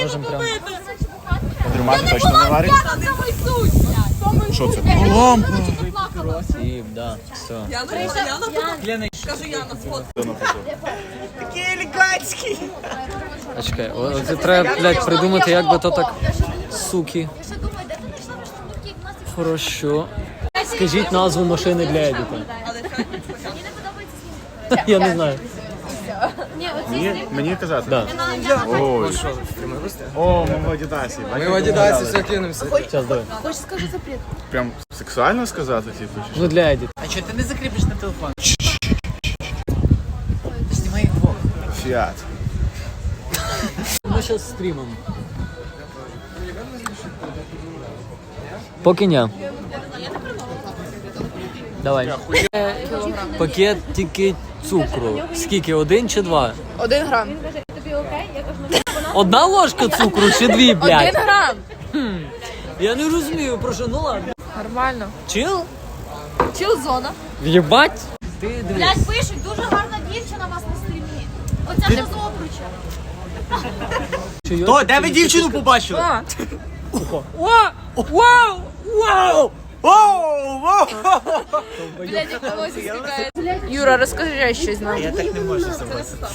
можемо прям... Дрюмати точно не варить? Що це? Лампа! І, да, все. Кажу, Яна, сфоткай. Такий елегантський! А чекай, це треба, блядь, придумати, як би то так, суки. Хорошо. Скажіть назву машини для Едіта. Я не знаю. Мені казати? Да. Ой. О, ми в Адідасі. Ми в Адідасі все кинемося. Зараз, давай. Хочеш скажу запрет? Прям сексуально сказати, типу? чи що? Ну, для Едіта. А чого ти не закріпиш на телефон? Знімай їх двох. Фіат. Ми зараз стрімимо. Поки ні. Давай. Пакет тільки цукру. Скільки? 1 чи 2? 1 грам. Одна ложка цукру чи 2, блядь? 1 грам. Я не розумію, про що, ну ладно. Нормально. Чил? Чил-зона. Єбать? Ти дивись. Блядь, пишуть, дуже гарна дівчина у вас на стрімі. Оця що з обруча. То, де ви дівчину побачили? Блядь, як волосся стікає. Юра, розкажи щось нам. Я так не можу согласитися.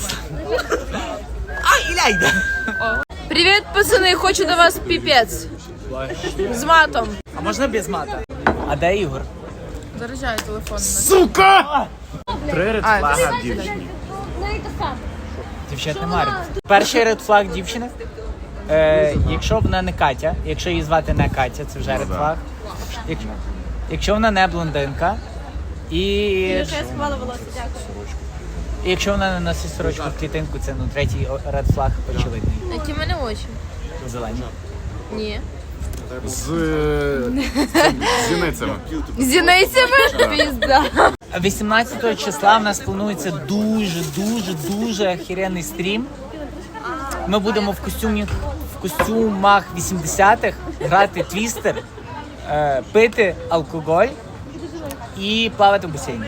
Привіт, пацани, хочу до вас піпець. З матом. А можна без мата? А де Ігор? Заряджаю телефон. Сука! 3 редфлага дівчині. Дівчат немає. Перший редфлаг дівчини. Якщо вона не Катя, якщо її звати не Катя, це вже редфлаг. Якщо вона не блондинка. І Я сховала волосся, дякую. якщо вона не носить сорочку в клітинку, це третій редфлаг очевидний. Які в мене очі? Зелені. Ні. З зіницями. З зіницями? Пізда. 18 числа в нас планується дуже охеренний стрім. Ми будемо в костюмах 80-х грати твістер, пити алкоголь і плавати в басейні.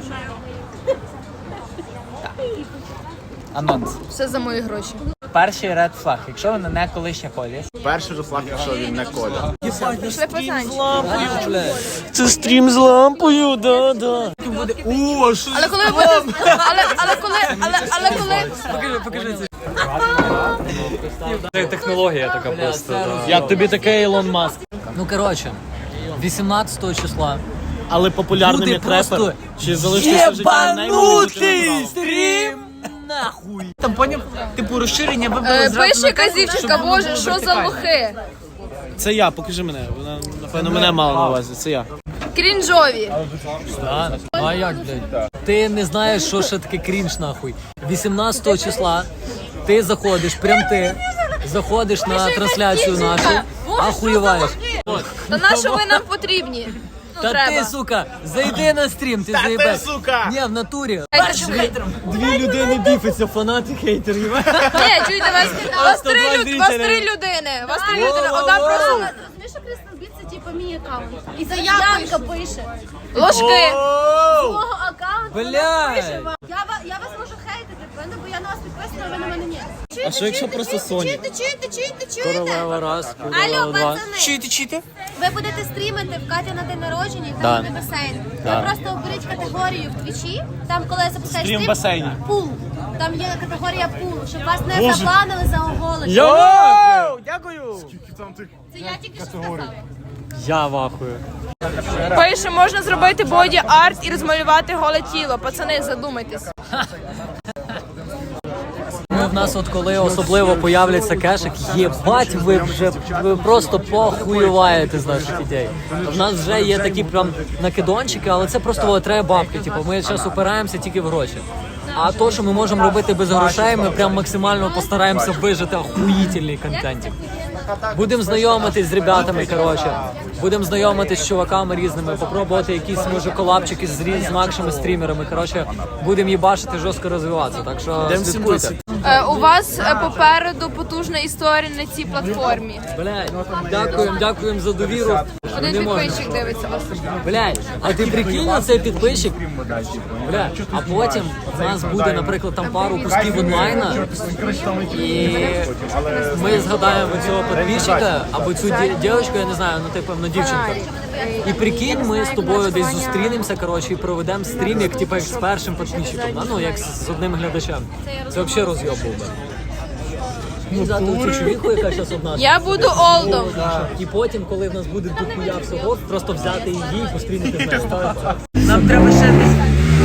Так. Анонс. Все за мої гроші. Перший ред флаг. Якщо вона не колишня Колі. Перший редфлаг, якщо він не Коля. Пішли пацанчики. Це стрім з лампою, да. Але коли ви будете... Але коли... Покажи це. Це технологія така просто. Як тобі таке Ілон Маск? Ну, коротше, 18 числа. Але популярним Люди як просто репер, чи залишитися в життя єбанутий стрім! Нахуй! Там поняв, типу розширення вибрали зразу Пише на якась те, дівчинка, щоб воно боже, було що за вертикально. лохи? Це я, покажи мене. Вона, напевно, мене мала на увазі. Це я. Крінжові. Да. А як, блядь? Ти не знаєш, що ще таке крінж, нахуй. 18 числа ти заходиш, заходиш на трансляцію нашу, ахуєваєш. Та на що ви нам потрібні? Та Треба. ти, сука, зайди на стрім, ти заїбеш. сука! Ні, в натурі. Першим Дві людини біфиться, фанати, хейтери. Ні, чуєте, вас 3 людини. Вас 3 людини. Одна просто Розумієш, що Crystal Beat це типу мій аккаунт. І заявка пише. ложки. Свого аккаунту. Блядь. Я вас можу хейтити, правда, бо я на вас підписана, а ви на мене ні. А що якщо просто Соня? Чуєте? Королева раз, Алло, королева два. пацани. Чити. Ви будете стрімити в Каті на день народження, і Да. там буде басейн. Да. Ви просто оберіть категорію в твічі, там коли запускаєш Стрім в басейні. пул. Там є категорія пул, щоб вас не запланили за оголошення. Я Дякую. Це я тільки що сказала. Я вахую. Пише, можна зробити боді арт і розмалювати голе тіло. Пацани, задумайтесь. Ну, в нас от коли особливо появляться кешик, єбать, ви просто похуюваєте з наших ідей. В нас вже є такі прям накидончики, але це просто треба бабки. Типу, ми зараз упираємося тільки в гроші. А то, що ми можемо робити без грошей, ми прям максимально постараємося вижити охуїтельний контентик. Будемо знайомитись з ребятами, коротше. Будемо знайомитись з чуваками різними, попробувати якісь, може, колабчики з інакшими стрімерами. Коротше, будемо їбашити, жорстко розвиватися. Так що слідкуйте. У вас попереду потужна історія на цій платформі. Блядь, дякуємо за довіру. Один Не можна. підписчик дивиться вас. Блядь, а ти прикинь на цей підписчик? Блядь, а потім в нас буде, наприклад, там пару кусків онлайна, і ми згадаємо цього підписчика, або цю дівчинку, я не знаю, ну типу, ну дівчинка. І прикинь, ми з тобою десь зустрінемося, коротше, і проведемо стрім, як типу, як з першим підписчиком, да? Ну, як з одним глядачем. Це взагалі роз'єб був би. І взяти цю чоловіку, яка зараз одна. Я буду олдом. І потім, коли в нас буде дохуя всього, просто взяти її і пострінити з нею. Нам треба ще десь.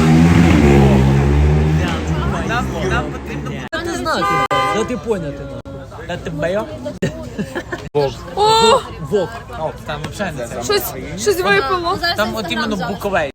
Нам потрібно Ти знати, да ти поняти. дати бейо. О, Вок. Там взагалі не це. щось випало. Там от іменно буковей.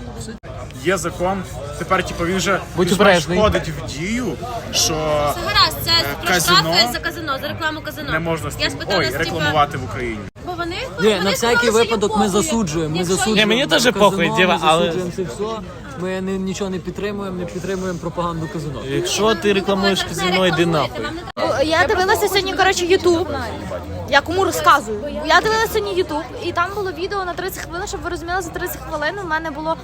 Є закон, тепер типу, він вже Будь більш-менш обережний. входить в дію, що Це гаразд, це про казино штрафи за казино, за рекламу казино. не можна Я спитала, ой, рекламувати в Україні. Бо вони Ні, на всякий випадок ми засуджуємо. Ми засуджуємо. Ні, мені теж казино, похуй, ми діва, але- засуджуємо це все. Ми нічого не підтримуємо пропагаганду казино. Якщо ти рекламуєш казино, йди нахуй. Я дивилася сьогодні, коротше, Ютуб. Я кому розказую. Я дивилася сьогодні Ютуб, і там було відео на 30 хвилин, щоб ви розуміли, за 30 хвилин у мене було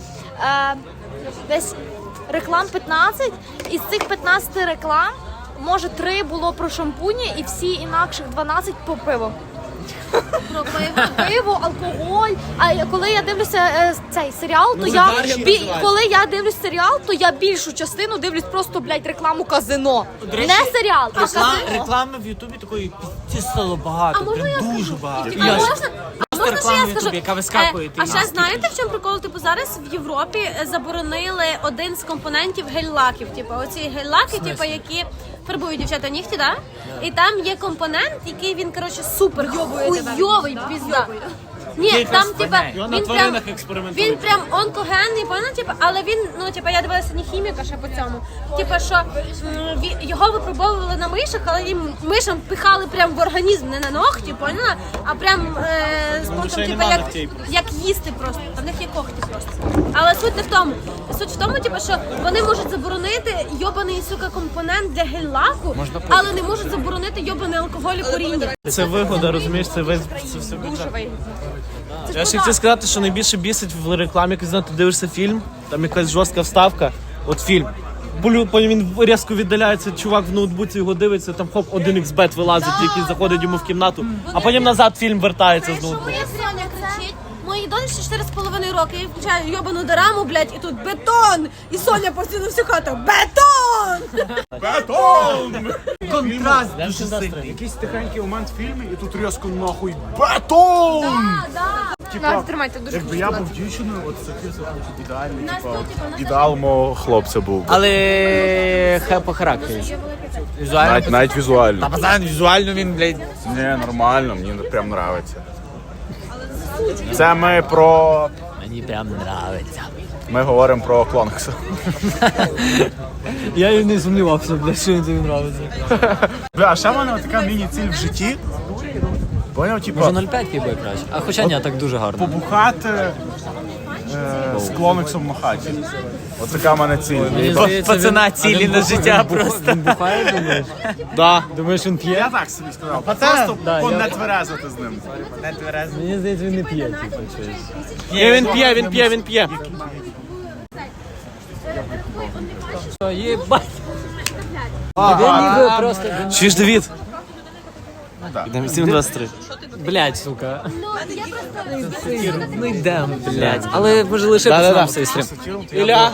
десь реклам 15, і з цих 15 реклам, може 3 було про шампуні, і всі інакших 12 по пиво. про пиво. Пиво, алкоголь. А коли я дивлюся цей серіал, то коли я дивлюсь серіал, то я більшу частину дивлюсь просто, блядь, рекламу казино. Не серіал, а казино. Реклами в Ютубі такої пізді стало багато, прям дуже багато. А можна ще реклама я в скажу? Ютубі, яка вискакує, А ще знаєте, в чому прикол? Типу зараз в Європі заборонили один з компонентів гель-лаків. Типу оці гель-лаки, типу, які фарбують дівчата нігті, да? І там є компонент, який він, коротше, супер хуйовий, пізда. Ні, там, типа, він прям онкогенний, поняла, типа, але він, ну, типа, я дивилася не хіміка ще по цьому. Типа, що його випробовували на мишах, але їм мишам пихали прям в організм, не на ногті, поняла, а прям спонтом, типа, як їсти просто. А в них є когті просто. Але суть не в тому. Суть в тому, типа, що вони можуть заборонити йобаний, сука, компонент для гель-лаку, але не можуть заборонити йобаний алкоголь і коріння. Це вигода, розумієш, це все Дуже вигідно. Я ще хотів сказати, що найбільше бісить в рекламі, коли ти дивишся фільм, там якась жорстка вставка, от фільм. Потім він різко віддаляється, чувак в ноутбуці його дивиться, там хоп, 1xbet вилазить, який заходить йому в кімнату, а потім назад фільм вертається з ноутбуку. Моя Соня кричить, моїй донечці 4,5 роки, я включаю йобану дораму, блядь, і тут бетон! І Соня постійно всю хату, бетон! Бетон! Контраст дуже сильний. Якийсь тихенький момент в фільмі, і тут різко нахуй бетон! Так, тримайте дуже Якби я був дівчиною, от це ідеальний, ідеал мого хлопця був. Але по характері. Візуально. Навіть візуально. Та пацан, візуально він, блядь. Не, нормально, мені прям нравиться. Це ми про... Мені прям нравиться. Ми говоримо про Клонкса. Я і не сумнівався, бля, що він тобі нравиться. Бля, а ще в мене така міні-ціль в житті. Поняв, типу, Може 0,5 піде краще. А хоча ні, так дуже гарно. побухати з Клонексом на хаті. От така в мене ціль. Пацана цілі на життя просто. Він бухає, думаєш? Да. Думаєш, він п'є? Я так собі сказав. Просто не тверезити з ним. Мені здається, він не п'є, типу, щось. Ні, він п'є. Єбать! Він ніби просто... Чуєш, Давід? Йдемо 7:23. Блядь, сука. Ну йдем, блядь. Але може лише пацанам цей стрім. Ілля.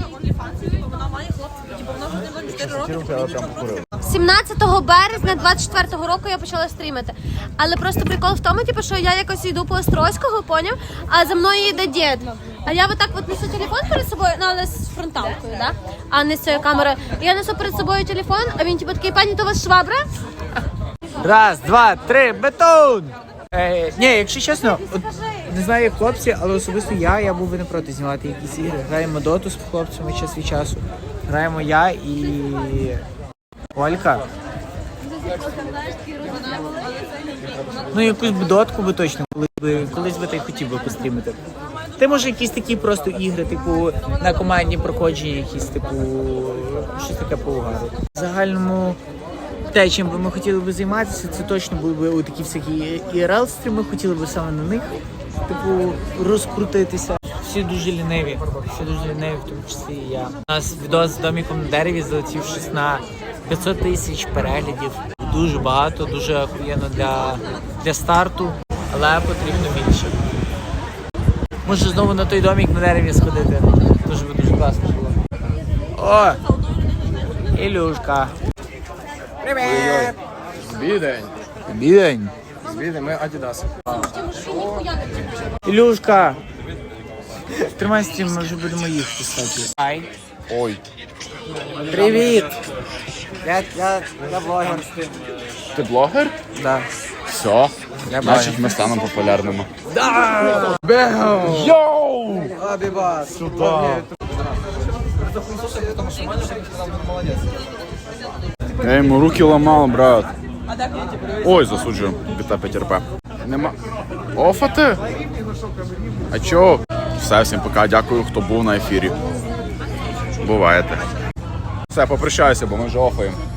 17 березня 24-го року я почала стрімити. Але просто прикол в тому, типу, що я якось йду по Острозького, поняв? А за мною йде дід. А я отак от несу телефон перед собою, ну але з фронталкою, да? А не з цією камерою. І я несу перед собою телефон, а він типу такий, пані, то у вас швабра? Раз, два, три, бетон! Ні, якщо чесно, от, не знаю як хлопці, але особисто я був би не проти знімати якісь ігри. Граємо доту з хлопцями час від часу. Граємо я і Олька. Ну якусь б дотку би точно, колись би та й хотів би пострімити. Ти може якісь такі просто ігри, типу на командні проходження, якісь типу щось таке по угару. В загальному те, чим би ми хотіли би займатися, це точно були б такі всякі IRL-стріми, хотіли б саме на них, типу, розкрутитися. Всі дуже ліниві, в тому числі і я. У нас відео з домиком на дереві залетів щось на 500 тисяч переглядів. Дуже багато, дуже охуєнно для старту, але потрібно більше. Може знову на той домик на дереві сходити. Дуже класно було. О! Ілюшка. Привіт! Бідень. Бідень. Звідти ми Адідаси. Ілюшка. Тримай стрім, ми вже будемо їхати, кстати. Ай. Ой. Привіт! Я блогер. Ти блогер? Да. Все. Значить, ми станемо популярними. Йоу! Абібас. Я йому руки ламав, брат. Ой, засуджую. Біта ПТРП. Нема. Офати? А чо? Все, всім пока. Дякую, хто був на ефірі. Буваєте. Все, попрощаюся, бо ми вже офаємо.